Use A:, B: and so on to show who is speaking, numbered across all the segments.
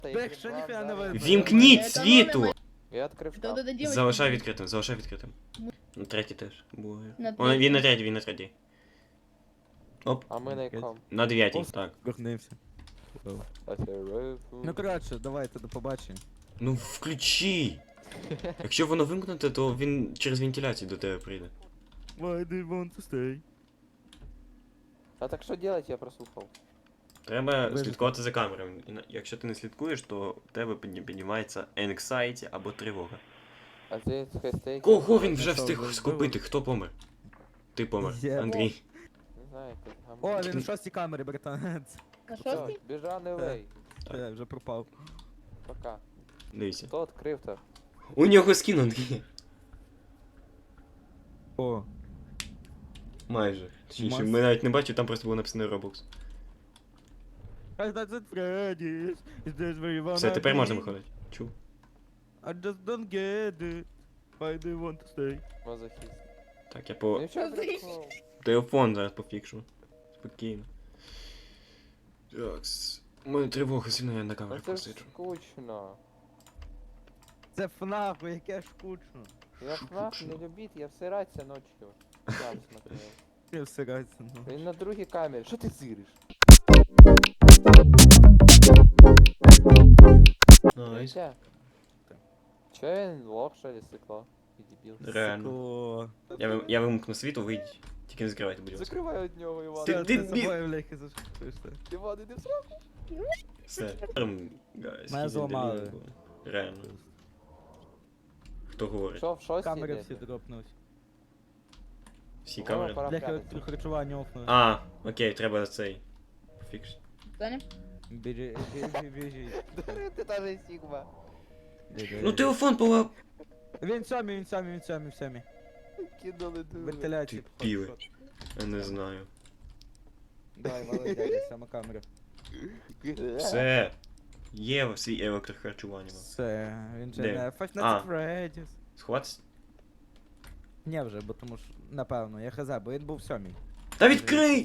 A: Так що ніфіга не видно.
B: Вімкніть світло!
C: Я відкрив
D: Да,
C: шкаф.
D: да, да, девочка.
B: Залишай відкритим, залишай відкритим. На третій теж.
D: На
B: О, він на
D: третій.
B: третій, він на третій. Оп,
C: А ми на якому?
B: на дев'ятій,
A: Ось.
B: так.
A: Горнився. Ну коротше, давайте до побачення.
B: Ну включи! Якщо воно вимкнуте, то він через вентиляцію до тебе прийде.
A: Why do you want to stay?
C: А так що делать, я прослухав.
B: Треба
A: Вижити.
B: слідкувати за камерами. Якщо ти не слідкуєш, то в тебе піднімається anxiety або тривога.
C: А це хестейк.
B: Кого він вже
A: що,
B: встиг
A: вбили?
B: скупити? Хто помер? Ти помер,
A: Я.
B: Андрій.
C: Не знаю, як
A: О, він у шостій камері, братанець.
D: На
C: Все,
D: шостий?
C: біжа не лей.
A: Я вже пропав.
C: Пока.
B: Дивіться.
C: Хто відкрив-то?
B: У нього скін, Андрій.
A: О,
B: Майже. Точніше,
A: Мас-
B: ми навіть не бачили, там просто було написано Roblox.
A: I thought that Freddy's, is this where you wanna
B: Все, тепер
A: be?
B: можна виходити. Чув.
A: I just don't get it. Why do you want to stay?
C: Мазохіст.
B: Так, я по
C: Ну що
D: Мазохіст.
C: прикол?
B: телефон зараз пофікшу. Спокійно. Такс. У мене тривога сильно, я на
C: Ну
B: камері
C: це ж
B: посиджу.
C: скучно.
A: Це ФНАФ, яке скучно.
C: Я ФНАФ не любить, я всиратися ночью. Сам смотрел.
A: Я всирається, ну.
C: Він на другій камері. Що ти зириш?
B: Найс.
C: Чо він лох, що ли, сикло? І дебіл.
B: Реально.
A: Сикло.
B: Я вимкну світло, вийдіть. Тільки не закривайте, будь ласка.
C: Закривай від нього, Іван.
B: Ти-
A: Ти
B: ти-
A: за собою, бляхи, зашкутуєш, так.
C: Іван, іди в сраку.
B: Все. Guys,
A: Мене
B: he's
A: зламали.
B: unbelievable. Реально. Хто говорить?
C: Що, в шостій
A: Камери
C: йдете?
A: всі дропнуть.
B: Всі
C: О,
B: камери?
C: пора
A: Бляхи
C: прятатися.
A: харчування офнули.
B: А, окей, треба цей. Фікс.
D: Саня?
A: Біжи, біжи.
C: Ти та же Сігма.
B: Ну телефон пола...
A: Він сьомий.
C: Кинули дури.
A: Вентиляції.
B: Ти піли. Я не знаю.
A: Давай, молодець, сама камера.
B: Все. Є свій електрохарчування.
A: Все, він же
B: Де?
A: не
B: А.
A: Five Nights at Freddy's.
B: Схватись?
A: Ні вже, бо тому що, напевно, я хз, бо він був сьомий.
B: Та відкрий!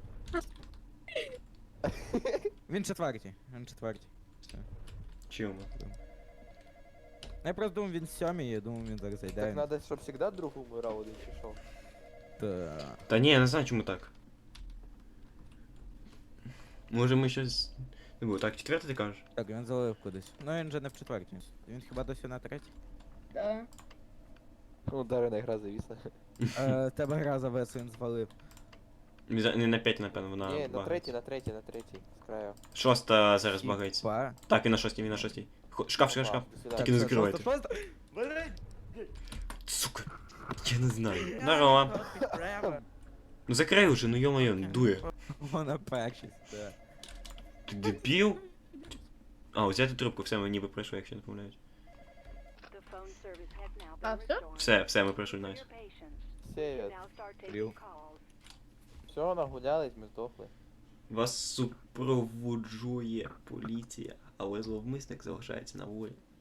A: Він четвертий. Все.
B: Чому?
A: Я просто думав, він сьомий, я думав, він зараз зайде.
C: Так надо, щоб завжди друг умирав один чи що?
A: Та...
B: Та ні, я не знаю, чому так. Може ми щось... Не було. Так, четвертий ти кажеш?
A: Так, він залив кудись. Ну він же не в четвертій. Він хіба досі на третій?
D: Да.
C: Ну, Дарина гра завісла.
A: Тебе гра завес, він звалив.
B: Не на 5, напевно, вона
C: Ні, на
B: багається.
C: третій, з краю.
B: Шоста зараз багається.
A: Хіба?
B: Так, він на шостій. Шкаф.
C: Опа, до свидання.
B: Тільки не
A: Все,
B: закривайте.
A: шоста. Блядь!
B: Сука. Я не знаю. Здорово. Ну закрий уже, ну ё-моё, дує.
A: Вона першість, так.
B: Ти дебіл? А, взяти трубку, все, ми ніби пройшли, якщо не помиляюсь.
D: А, все?
B: Все, ми пройшли, найс.
C: Сєвєт.
A: Ріл.
C: Все, нагулялись, ми здохли.
B: Вас супроводжує поліція, але зловмисник залишається на волі.